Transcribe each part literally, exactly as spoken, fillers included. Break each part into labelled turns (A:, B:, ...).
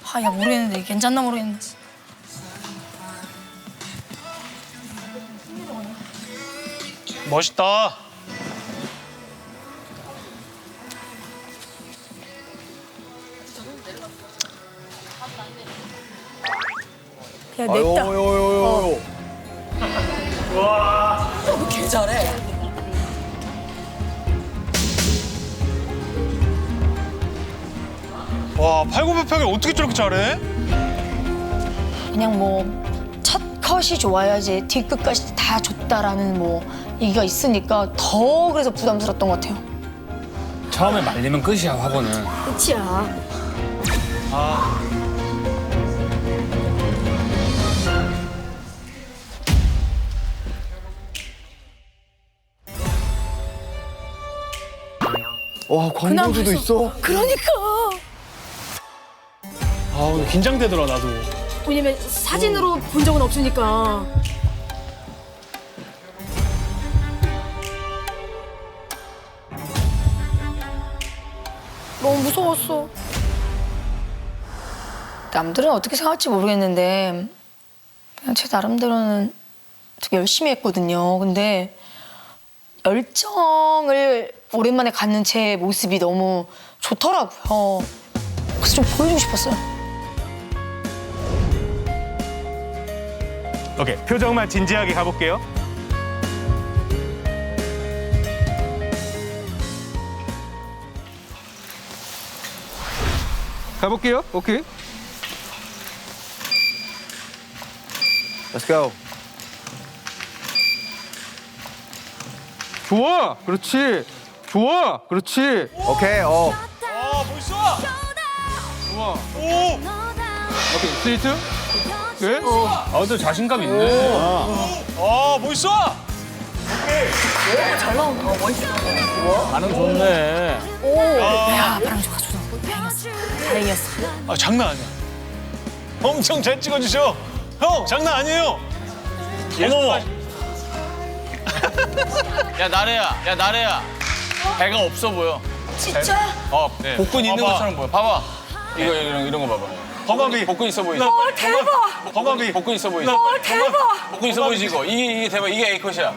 A: 아, 야, 모르겠는데. 괜찮나 모르겠는데.
B: 멋있다.
A: 야, 냈다.
C: 요요요요.
A: 개 잘해.
B: 와, 팔굽혀펴기를 어떻게 저렇게 잘해?
A: 그냥 뭐 첫 컷이 좋아야지 뒤끝까지 다 좋다라는 뭐 얘기가 있으니까 더 그래서 부담스러웠던 것 같아요.
D: 처음에 말리면 끝이야, 화보는.
A: 끝이야.
B: 아,
C: 와 광고주도 있어?
A: 그러니까.
B: 아, 오늘 긴장되더라 나도.
A: 왜냐면 사진으로 본 적은 없으니까. 너무 무서웠어. 남들은 어떻게 생각할지 모르겠는데 그냥 제 나름대로는 되게 열심히 했거든요. 근데 열정을 오랜만에 갖는 제 모습이 너무 좋더라고요. 그래서 좀 보여주고 싶었어요.
E: 오케이, 표정만 진지하게 가볼게요. 가볼게요. 오케이.
C: Let's go.
E: 좋아. 그렇지. 좋아. 그렇지.
C: 오케이. 어.
B: 아, 멋있어.
E: 좋아.
B: 오,
E: 오케이. 스트레이트. 네.
D: 아, 또 자신감 있네.
B: 아, 멋있어.
D: 반응 좋네.
A: 오, 야, 바람 좋아, 좋아. 다행이었어. 다행이었어.
B: 아, 장난 아니야. 엄청 잘 찍어주셔. 형, 장난 아니에요. 어머.
F: 야 나래야, 야 나래야, 배가 없어 보여.
A: 진짜?
F: 어, 네. 복근 있는
B: 봐봐.
F: 것처럼 보여. 봐봐. 이거 이런 이런 거 봐봐.
B: 허벅이.
F: 복근 있어 보이지?
A: 헐, 대박!
B: 허벅이.
F: 복근 있어 보이지?
A: 헐, 대박!
F: 복근 있어 보이지 이거. 이게 이게 대박. 이게 A 컷이야.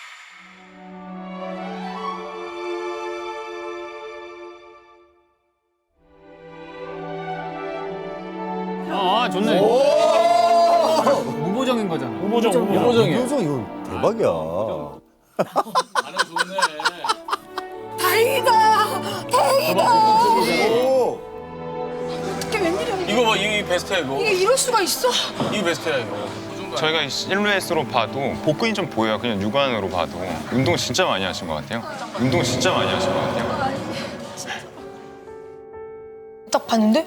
D: 아, 좋네. 무보정인 거잖아.
B: 우보정, 우보정.
F: 무보정이야.
C: 효정 이거 대박이야.
F: 반응 좋네.
A: 다행이다! 다행이다!
C: 오.
A: 이게 웬일이야?
F: 이거 봐, 이 베스트야 이거.
A: 이게 이럴 수가 있어?
F: 이 베스트야 이거.
G: 저희가 실루엣으로 봐도 복근이 좀 보여요. 그냥 육안으로 봐도. 운동 진짜 많이 하신 것 같아요. 운동 진짜 많이 하신 것 같아요.
A: 딱 봤는데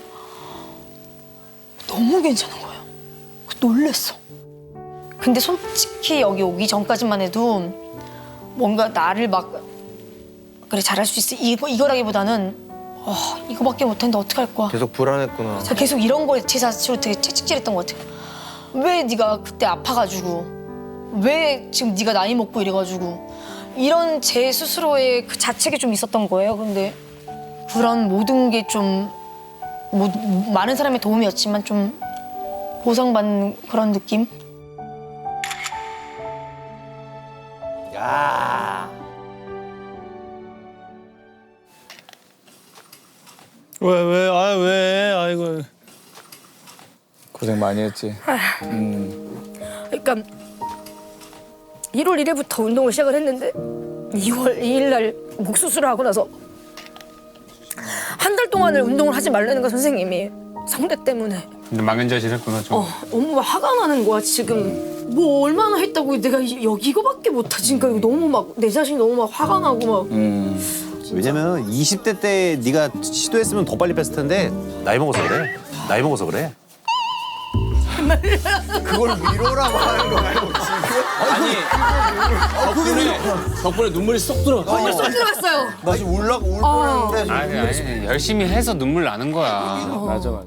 A: 너무 괜찮은 거예요. 놀랬어. 근데 솔직히 여기 오기 전까지만 해도 뭔가 나를 막 그래 잘할 수 있어 이거 이거라기보다는 어, 이거밖에 못했는데 어떡할 거야.
C: 계속 불안했구나.
A: 제가 계속 이런 거에 제 자체로 되게 채찍질했던 것 같아요. 왜 네가 그때 아파가지고 왜 지금 네가 나이 먹고 이래가지고 이런 제 스스로의 그 자책이 좀 있었던 거예요. 근데 그런 모든 게 좀 뭐, 많은 사람의 도움이었지만 좀 보상받는 그런 느낌?
C: 야.
B: 왜, 왜, 아, 왜, 아이고.
D: 고생 많이 했지.
A: 그러니까 일월 일일부터 운동을 시작을 했는데 이월 이일 날 목 수술을 하고 나서 한 달 동안을 운동을 하지 말라는 거 선생님이 성대 때문에
D: 근데 망연자실했구나 좀.
A: 어, 너무 화가 나는 거야 지금. 뭐 얼마나 했다고 내가 이- 여기 이거밖에 못하지. 그러니까 이거 너무 막 내 자신이 너무 막 화가 나고 막
C: 왜냐면 이십 대 때 네가 시도했으면 더 빨리 뺐을 텐데 나이 먹어서 그래. 나이 먹어서 그래. 그걸 위로라고 하는 거 말고 지금.
F: 아니 덕분에 덕분에 눈물이 쏙 들어가.
A: 눈물 쏙 들어갔어요.
C: 나 지금 울라고 울
A: 어.
C: 뻔했는데.
D: 아니, 아니, 열심히 해서 눈물 나는 거야. 맞아, 맞아.